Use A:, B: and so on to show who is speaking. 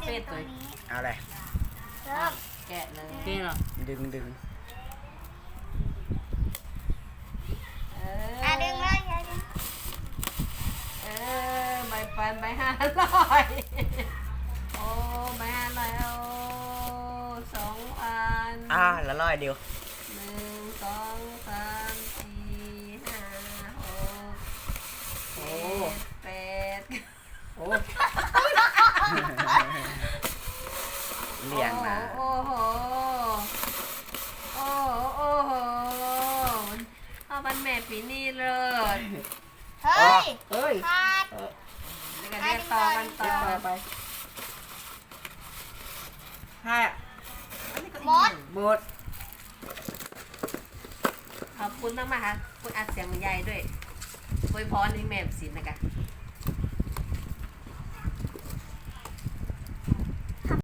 A: เป็ดเลย
B: เอาเลย
C: เริ่ม
A: แกะเลยเก่งหรอ
B: ดึง
C: อ่ะดึงเลยยายดึง
A: ใบปันใบ500โอ้ใบ500โอ้2,000
B: ละร้อยเดียว
A: 1 2 3 4 5 6 7 8
B: โอ้เลี้ยงนะ
A: โอ้โหเอาบันแม่ปีนี้เลย
C: เฮ้ย
A: เฮ้ย
C: ขาด
A: แล้วก็เรียกต่อกันต่อไปห้า
C: หมด
A: หมดขอบคุณมากๆค่ะคุณอัดเสียงใหญ่ด้วยอวยพรในแม่สินนะคะ